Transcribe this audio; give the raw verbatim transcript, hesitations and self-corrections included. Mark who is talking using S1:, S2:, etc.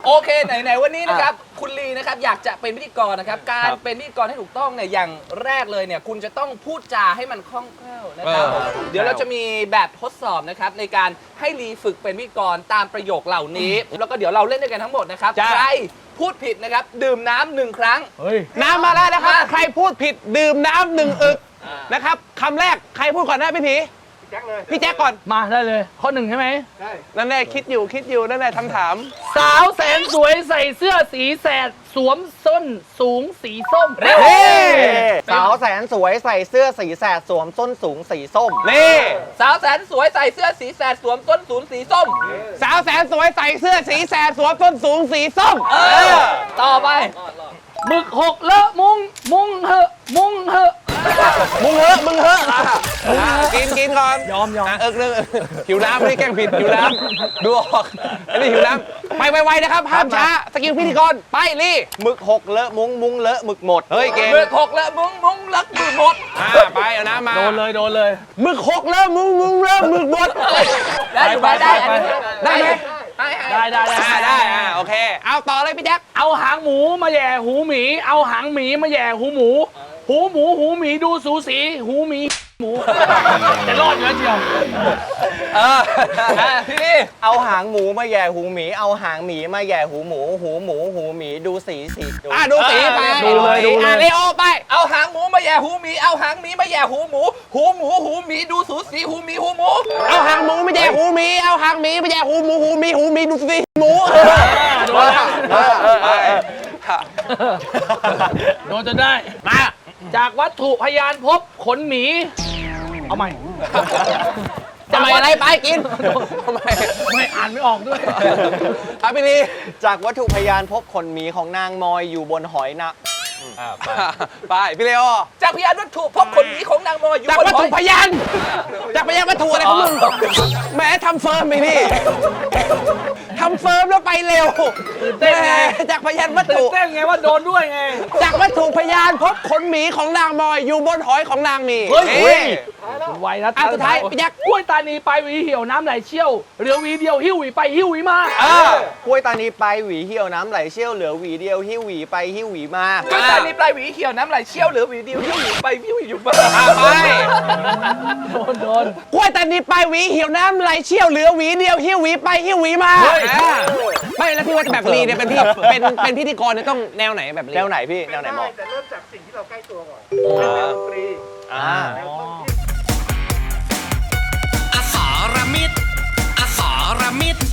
S1: โอเคไหนๆวันนี้นะครับคุณลีนะครับอยากจะเป็นพิธีกรนะครับการเป็นพิธีกรให้ถูกต้องเนี่ยอย่างแรกเลยเนี่ยคุณจะต้องพูดจาให้มันคล่องแคล่วนะครับเดี๋ยวเราจะมีแบบทดสอบนะครับในการให้ลีฝึกเป็นพิธีกรตามประโยคเหล่านี้แล้วก็เดี๋ยวเราเล่นด้วยกันทั้งหมดนะครับใครพูดผิดนะครับดื่มน้ำหนึ่งครั้ง
S2: น้ำมาแล้วนะครับใครพูดผิดดื่มน้ำหนึ่งอึกนะครับคำแรกใครพูดก่อนนะพี่ผีพี่แจ็คเลยพี่แจ็คก่อน
S3: มาได้เลยข้อหนึ่งใช่ไหม
S2: ใช่นั่นแหละคิดอยู่คิดอยู่นั่นแหละคำถาม
S3: สาวแสนสวยใส่เสื้อสีแสดสวมส้นสูงสีส้ม
S2: เ
S4: น่สาวแสนสวยใส่เสื้อสีแสดสวมส้นสูงสีส้ม
S2: นี่
S1: สาวแสนสวยใส่เสื้อสีแสดสวมส้นสูงสีส้ม
S2: สาวแสนสวยใส่เสื้อสีแสดสวมส้นสูงสีส้ม
S1: เออต่อไป
S3: หมึกหกเลอะมุงมุงเหอะมุงเหอะ
S2: มึงเหอะมึงเหอะกินกินก่อน
S3: ยอมยอม
S2: เอิกเรื่องหิวน้ำไม่ได้แกล้งผิดหิวน้ำดูออกอันนี้หิวน้ำไปไวๆนะครับห้ามช้าสกิลพิธีกรไปลี่
S4: หมึกหกเลอะมุ้งมุ้งเลอะหมึกหมด
S2: เฮ้ยเก่ง
S1: หมึกหกเลอะมุ้งมุ้งเลอะหมึกหมด
S2: ไปเอาน้ำมา
S3: โดนเลยโดนเลย
S2: หมึกหกเลอะมุ้งมุ้งเลอะหมึกหมด
S1: ได้อยู่ได้ได้
S2: ได้ไหม
S3: ได้ได้ได้
S2: ได้อ่าโอเคเอาต่อเลยพี่แจ็ค
S3: เอาหางหมูมาแย่หูหมีเอาหางหมีมาแย่หูหมูหูหมูหูหมีดูสูสีหูหมีหมูจะรอดอยู่แล้วเชียว
S1: เออพี่นี่
S4: เอาหางหมูมาแย่หูหมีเอาหางหมีมาแย่หูหมูหูหมูหูหมีดูสีสี
S2: อ่ะดูสีไป
S3: ดูเลยดูเลย
S2: เลโอไป
S1: เอาหางหมูมาแย่หูหมีเอาหางหมีมาแย่หูหมูหูหมูหูหมีดูสูสีหูหมีหูหมู
S2: เอาหางหมูมาแย่หูหมีเอาหางหมีมาแย่หูหมูหูหมีหูหมีดูสีหมู
S3: โดนโดนจนได้มาจากวัตถุพยานพบขนหมีเอาใหม่
S2: ทำไมอะไรไปกินทำไม
S3: ไม่อ่านไม่ออกด้วย
S2: ครับพี่ลี
S4: จากวัตถุพยานพบขนหมีของนางมอยอยู่บนหอยนะ
S2: ไปพี่เลโอ
S1: จากพยานวัตถุพบขนหมีของนางมอยอยู่
S2: บนหอยจากวัตถุพยานจากพยานวัตถุอะไรของมึงแหมทำเฟิร์มไปนี่ทำเฟิร์มแล้วไปเร็ว
S3: เต้นไง
S2: จากพยานวัตถุ
S3: เต้นไงว่าโดนด้วยไง
S2: จากวัตถุพยานพบขนหมีของนางมอยอยู่บนหอยของนางมี
S3: เฮ้ยไวนะ
S2: สุดท้ายพี่แจ็ค
S3: กล้วยตานีไปหวีเหี่ยวน้ำไหลเชี่ยวเหลือหวีเดียวหิ้วหวีไปหิ้วหวีม
S4: ากล้วยตานีไปหวีเหี่ยวน้ำไหลเชี่ยวเหลือหวีเดียวหิ้วหวีไปหิ้วหวีมาก
S1: ล้วยตานีปลายหวีเหี่ยวน้ำไหลเชี่ยวเหลือหวีเดียวหิ้วหวีไปหิ้วหวีอยู่บ้าง
S2: ไป
S3: โดนโดน
S2: กล้วยตานีไปหวีเหี่ยวน้ำไหลเชี่ยวเหลือหวีเดียวหิ้วหวีไปหิ้วหวีมาไม่แล้วพี่ว่าแบบลีเนี่ยเป็นพี่เป็นเป็นพิธีกรเนี่ยต้องแนวไหนแบบลี
S4: แนวไหนพี่แนวไหนหมอ
S5: แต่เริ่มจากสิ่งที่เราใกล้ตัวก่อนเป็นแนวดนตรี
S4: อ่า
S6: อสรมิตรอสรมิตร